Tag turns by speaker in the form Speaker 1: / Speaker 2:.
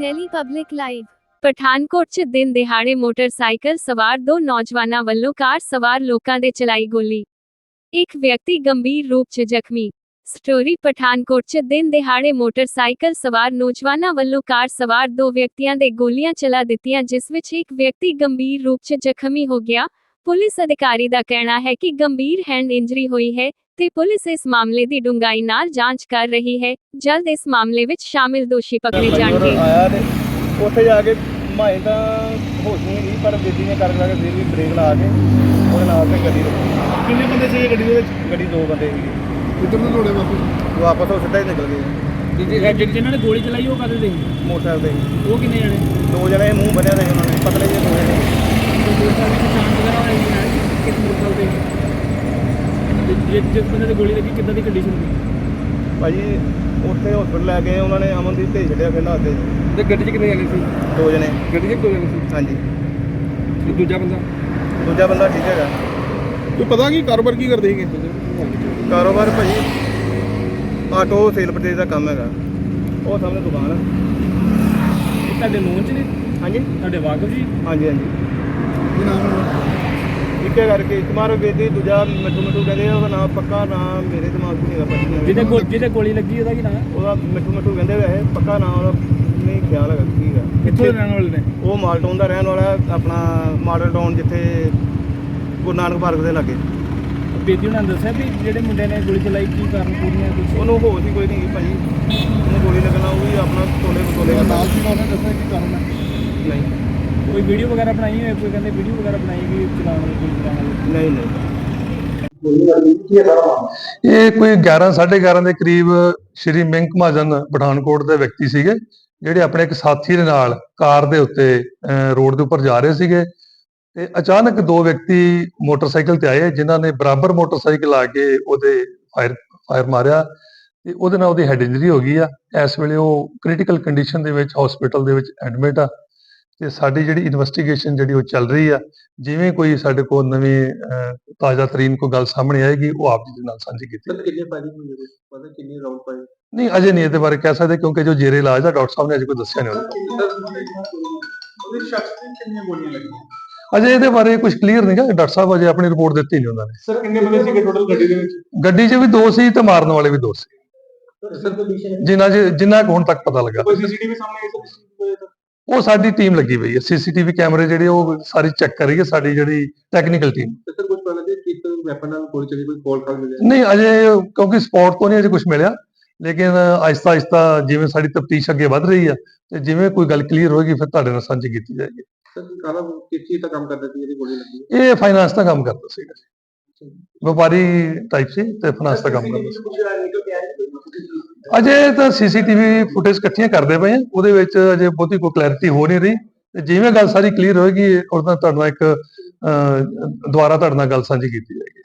Speaker 1: Delhi public live Pathankot 'ਚ ਦਿਨ ਦਿਹਾੜੇ ਮੋਟਰਸਾਈਕਲ ਸਵਾਰ ਦੋ ਨੌਜਵਾਨਾਂ ਵੱਲੋਂ ਕਾਰ ਸਵਾਰ ਲੋਕਾਂ ਦੇ ਚਲਾਈ ਗੋਲੀ। ਇੱਕ ਵਿਅਕਤੀ ਗੰਭੀਰ ਰੂਪ 'ਚ ਜ਼ਖਮੀ। ਸਟੋਰੀ ਪਠਾਨਕੋਟ 'ਚ ਦਿਨ ਦਿਹਾੜੇ ਮੋਟਰਸਾਈਕਲ ਸਵਾਰ ਨੌਜਵਾਨਾਂ ਵੱਲੋਂ ਕਾਰ ਸਵਾਰ ਦੋ ਵਿਅਕਤੀਆਂ ਦੇ ਗੋਲੀਆਂ ਚਲਾ ਦਿੱਤੀਆਂ, ਜਿਸ ਵਿੱਚ ਇੱਕ ਵਿਅਕਤੀ ਗੰਭੀਰ ਰੂਪ 'ਚ ਜ਼ਖਮੀ ਹੋ ਗਿਆ। ਪੁਲਿਸ ਅਧਿਕਾਰੀ ਦਾ ਕਹਿਣਾ ਹੈ ਕਿ ਗੰਭੀਰ ਹੈਂਡ ਇੰਜਰੀ ਹੋਈ ਹੈ ਤੇ ਪੁਲਿਸ ਇਸ ਮਾਮਲੇ ਦੀ ਡੂੰਘਾਈ ਨਾਲ ਜਾਂਚ ਕਰ ਰਹੀ ਹੈ। ਜਲਦ ਇਸ ਮਾਮਲੇ ਵਿੱਚ ਸ਼ਾਮਿਲ ਦੋਸ਼ੀ ਪਕੜੇ ਜਾਣਗੇ।
Speaker 2: ਉੱਥੇ ਜਾ ਕੇ ਮਾਏ ਤਾਂ ਹੋਸ਼ ਨਹੀਂ ਗਈ, ਪਰ ਬੇਟੀ ਨੇ ਕਰ ਲਾ ਕੇ ਫਿਰ ਵੀ ਬ੍ਰੇਕ ਲਾ ਕੇ ਉਹਦੇ ਨਾਲ ਤੇ ਗੱਡੀ ਰੁਕੀ।
Speaker 3: ਕਿੰਨੇ ਬੰਦੇ ਸੀ ਗੱਡੀ ਦੇ ਵਿੱਚ?
Speaker 2: ਗੱਡੀ ਦੋ ਬੰਦੇ ਸੀਗੇ।
Speaker 3: ਕਿੱਧਰ ਨੂੰ ਦੌੜੇ ਵਾਪਸ?
Speaker 2: ਵਾਪਸ ਉਹ ਸਿੱਧਾ ਹੀ ਨਿਕਲ ਗਏ।
Speaker 3: ਜਿਨ੍ਹਾਂ ਨੇ ਗੋਲੀ ਚਲਾਈ ਉਹ ਕਾਹਦੇ ਤੇ ਸੀ?
Speaker 2: ਮੋਟਰਸਾਈਕਲ ਤੇ ਸੀ।
Speaker 3: ਉਹ ਕਿੰਨੇ ਜਣੇ?
Speaker 2: ਦੋ ਜਣੇ ਮੂੰਹ ਬੰਨਿਆ ਤੇ ਉਹਨਾਂ ਨੇ, ਪਤਲੇ ਜਿਹੇ ਦੋ ਜਣੇ।
Speaker 3: ਮੋਟਰਸਾਈਕਲ ਦੀ ਪਛਾਣ ਵਗੈਰਾ ਹੋਈ ਹੈ ਕਿਸ ਮੋਟਰਸਾਈਕਲ ਤੇ? ਜਿਸ ਬੰਦੇ ਤੇ ਗੋਲੀ ਲੱਗੀ ਕਿੱਦਾਂ ਦੀ ਕੰਡੀਸ਼ਨ ਸੀ?
Speaker 2: ਭਾਜੀ ਉੱਥੇ ਹਸਪੀਟਲ ਲੈ ਗਏ ਉਹਨਾਂ ਨੇ, ਅਮਨਦੀਪ ਭੇਜ ਛੱਡਿਆ ਫਿਰ ਨਾਲ ਤੇ।
Speaker 3: ਤੇ ਗੱਡੀ 'ਚ ਕਿੰਨੇ ਜਣੇ ਸੀ?
Speaker 2: ਦੋ ਜਣੇ
Speaker 3: ਗੱਡੀ 'ਚ ਦੋ ਜਣੇ ਸੀ?
Speaker 2: ਹਾਂਜੀ।
Speaker 3: ਤੇ ਦੂਜਾ ਬੰਦਾ
Speaker 2: ਠੀਕ ਹੈਗਾ।
Speaker 3: ਤੂੰ ਪਤਾ ਕੀ ਕਾਰੋਬਾਰ ਕੀ ਕਰਦੇ ਸੀਗੇ?
Speaker 2: ਕਾਰੋਬਾਰ ਭਾਜੀ ਆਟੋ ਸੇਲ ਪਰਚੇਜ਼ ਦਾ ਕੰਮ ਹੈਗਾ। ਉਹ ਸਾਹਮਣੇ ਦੁਕਾਨ ਆ।
Speaker 3: ਇਹ ਤੁਹਾਡੇ ਨੋਨ 'ਚ ਨੇ?
Speaker 2: ਹਾਂਜੀ
Speaker 3: ਤੁਹਾਡੇ ਵਾਕਫ ਜੀ?
Speaker 2: ਹਾਂਜੀ ਹਾਂਜੀ।
Speaker 3: ਕੀ ਨਾਮ ਹੈ?
Speaker 2: ਇੱਕੇ ਕਰਕੇ ਕੁਮਾਰ ਬੇਦੀ, ਦੂਜਾ ਮਿੱਠੂ ਕਹਿੰਦੇ ਆ। ਉਹਦਾ ਨਾਮ ਪੱਕਾ ਨਾਮ ਮੇਰੇ ਦਿਮਾਗ 'ਚ ਨਹੀਂ ਹੈਗਾ ਭਾਜੀ।
Speaker 3: ਜਿਹਦੇ ਗੋਲੀ ਲੱਗੀ ਉਹਦਾ ਕੀ ਨਾਮ ਹੈ?
Speaker 2: ਉਹਦਾ ਮਿੱਠੂ ਕਹਿੰਦੇ ਵੈਸੇ, ਪੱਕਾ ਨਾਮ ਉਹਦਾ ਨਹੀਂ ਖਿਆਲ ਹੈਗਾ ਕੀ ਹੈ।
Speaker 3: ਕਿੱਥੋਂ ਦੇ ਰਹਿਣ ਵਾਲੇ ਨੇ?
Speaker 2: ਉਹ ਮਾਲਟਾਊਨ ਦਾ ਰਹਿਣ ਵਾਲਾ, ਆਪਣਾ ਮਾਡਲ ਟਾਊਨ, ਜਿੱਥੇ ਗੁਰੂ ਨਾਨਕ ਪਾਰਕ ਦੇ ਲਾਗੇ।
Speaker 3: ਬੇਦੀ ਉਹਨਾਂ ਨੇ ਦੱਸਿਆ ਵੀ ਜਿਹੜੇ ਮੁੰਡੇ ਨੇ ਗੋਲੀ ਚਲਾਈ ਕੀ ਕਾਰਨ ਪੂਰੀਆਂ ਕੁਝ?
Speaker 2: ਉਹਨੂੰ ਹੋਸ਼ ਹੀ ਕੋਈ ਨਹੀਂ ਭਾਜੀ। ਉਹਨੂੰ ਗੋਲੀ ਲੱਗਣਾ, ਉਹ ਵੀ ਆਪਣਾ ਤੋਲੇ
Speaker 3: ਨਾਲ ਸੀ ਉਹਨੇ ਦੱਸਿਆ ਕੀ ਕਾਰਨ ਹੈ?
Speaker 2: ਨਹੀਂ।
Speaker 3: ਕੋਈ ਵੀਡੀਓ ਵਗੈਰਾ ਬਣਾਈ ਹੋਈ? ਕੋਈ ਕਹਿੰਦੇ ਵੀਡੀਓ ਵਗੈਰਾ ਬਣਾਈ ਗਈ ਚਲਾਉਣ ਵਾਲੀ, ਗੋਲੀ ਚਲਾਉਣ ਵਾਲੀ?
Speaker 2: ਨਹੀਂ।
Speaker 4: ਇਹ ਕੋਈ 11:30 ਦੇ ਕਰੀਬ ਸ਼੍ਰੀ ਮਿੰਕ ਮਹਾਜਨ ਪਠਾਨਕੋਟ ਦੇ ਵਿਅਕਤੀ ਸੀਗੇ, ਜਿਹੜੇ ਆਪਣੇ ਇੱਕ ਸਾਥੀ ਦੇ ਨਾਲ ਕਾਰ ਦੇ ਉੱਤੇ ਰੋਡ ਦੇ ਉੱਪਰ ਜਾ ਰਹੇ ਸੀਗੇ ਤੇ ਅਚਾਨਕ ਦੋ ਵਿਅਕਤੀ ਮੋਟਰਸਾਈਕਲ ਤੇ ਆਏ, ਜਿਨ੍ਹਾਂ ਨੇ ਬਰਾਬਰ ਮੋਟਰਸਾਈਕਲ ਆ ਕੇ ਉਹਦੇ ਫਾਇਰ ਮਾਰਿਆ ਤੇ ਉਹਦੇ ਨਾਲ ਉਹਦੀ ਹੈਡ ਇੰਜਰੀ ਹੋ ਗਈ ਆ। ਇਸ ਵੇਲੇ ਉਹ ਕ੍ਰਿਟੀਕਲ ਕੰਡੀਸ਼ਨ ਦੇ ਵਿੱਚ ਹਸਪੀਟਲ ਦੇ ਵਿੱਚ ਐਡਮਿਟ ਆ ਤੇ ਸਾਡੀ ਜਿਹੜੀ ਇਨਵੈਸਟੀਗੇਸ਼ਨ ਜਿਹੜੀ ਉਹ ਚੱਲ ਰਹੀ ਆ। ਜਿਵੇਂ ਕੋਈ ਸਾਡੇ ਕੋਲ ਨਵੀਂ ਤਾਜ਼ਾ ਤਰੀਨ ਕੋਈ ਗੱਲ ਸਾਹਮਣੇ ਆਏਗੀ, ਉਹ ਆਪ ਜੀ ਦੇ ਨਾਲ ਸਾਂਝੀ ਕੀਤੀ ਜਾਏਗੀ।
Speaker 2: ਕਿੰਨੇ ਫਾਇਰਿੰਗ ਹੋਈ ਹੈ? ਪਤਾ ਕਿੰਨੀ ਰਾਉਂਡ ਪਾਈ?
Speaker 4: ਨਹੀਂ, ਅਜੇ ਨਹੀਂ ਇਹਦੇ ਬਾਰੇ ਕਹਿ ਸਕਦੇ, ਕਿਉਂਕਿ ਜੋ ਜੇਰੇ ਇਲਾਜ ਆ ਡਾਕਟਰ ਸਾਹਿਬ ਨੇ ਅਜੇ ਕੋਈ ਦੱਸਿਆ ਨਹੀਂ
Speaker 3: ਉਹਦੇ ਸ਼ਖਸ ਤੇ ਕਿੰਨੀਆਂ ਗੋਲੀਆਂ ਲੱਗੀਆਂ?
Speaker 4: ਅਜੇ ਇਹਦੇ ਬਾਰੇ ਕੁਝ ਕਲੀਅਰ ਨਹੀਂਗਾ। ਡਾਕਟਰ ਸਾਹਿਬ ਅਜੇ ਆਪਣੀ ਰਿਪੋਰਟ ਦਿੱਤੀ ਨਹੀਂ ਉਹਨਾਂ ਨੇ।
Speaker 3: ਸਰ ਕਿੰਨੇ ਬੰਦੇ ਸੀਗੇ ਟੋਟਲ ਗੱਡੀ ਦੇ ਵਿੱਚ?
Speaker 4: ਗੱਡੀ 'ਚ ਵੀ ਦੋ ਸੀ ਤੇ ਮਾਰਨ ਵਾਲੇ ਵੀ ਦੋ ਸੀ, ਜਿੰਨਾ ਕੁ ਹੁਣ ਤੱਕ ਪਤਾ ਲੱਗਾ।
Speaker 3: ਕੋਈ ਸੀਸੀਟੀਵੀ ਸਾਹਮਣੇ ਆਇਆ?
Speaker 4: ਉਹ ਸਾਡੀ ਟੀਮ ਲੱਗੀ ਪਈ ਹੈ, ਸੀਸੀਟੀਵੀ ਕੈਮਰੇ ਜਿਹੜੇ ਉਹ ਸਾਰੀ ਚੈੱਕ ਕਰ ਰਹੀ ਹੈ ਸਾਡੀ ਜਿਹੜੀ ਟੈਕਨੀਕਲ ਟੀਮ।
Speaker 2: ਸਰ ਕੁਝ ਪਤਾ ਲੱਗਿਆ ਕਿ ਵੈਪਨ ਨਾਲ ਗੋਲੀ ਚੱਲੀ, ਕੋਈ ਕੋਲ ਕਰ ਮਿਲਿਆ?
Speaker 4: ਨਹੀਂ, ਅਜੇ ਕਿਉਂਕਿ ਸਪੌਟ ਤੋਂ ਨਹੀਂ ਅਜੇ ਕੁਝ ਮਿਲਿਆ, ਲੇਕਿਨ ਆਹਿਸਤਾ ਜਿਵੇਂ ਸਾਡੀ ਤਫਤੀਸ਼ ਅੱਗੇ ਵੱਧ ਰਹੀ ਆ ਤੇ ਜਿਵੇਂ ਕੋਈ ਗੱਲ ਕਲੀਅਰ ਹੋਏਗੀ ਫਿਰ ਤੁਹਾਡੇ ਨਾਲ ਸਾਂਝੀ ਕੀਤੀ ਜਾਏਗੀ।
Speaker 2: ਸਰ ਕਾਲਾ ਕਿਸ ਚੀਜ਼ ਦਾ ਕੰਮ ਕਰਦਾ ਸੀ ਜਿਹੜੀ ਗੋਲੀ ਲੱਗੀ?
Speaker 4: ਇਹ ਫਾਈਨਾਂਸ ਦਾ ਕੰਮ ਕਰਦਾ ਸੀਗਾ, ਵਪਾਰੀ ਟਾਈਪ ਸੀ ਤੇ ਫਾਈਨਾਂਸ ਦਾ ਕੰਮ ਕਰਦਾ ਸੀ। ਅਜੇ ਤਾਂ ਸੀਸੀਟੀਵੀ ਫੁਟੇਜ ਇਕੱਠੀਆਂ ਕਰਦੇ ਪਏ ਆ, ਉਹਦੇ ਵਿੱਚ ਅਜੇ ਬਹੁਤੀ ਕੋਈ ਕਲੈਰਿਟੀ ਹੋ ਨਹੀਂ ਰਹੀ ਤੇ ਜਿਵੇਂ ਗੱਲ ਸਾਰੀ ਕਲੀਅਰ ਹੋਏਗੀ ਉਹਦਾ ਤੁਹਾਡੇ ਨਾਲ ਇੱਕ ਦੁਬਾਰਾ ਤੁਹਾਡੇ ਨਾਲ ਗੱਲ ਸਾਂਝੀ ਕੀਤੀ ਜਾਏਗੀ।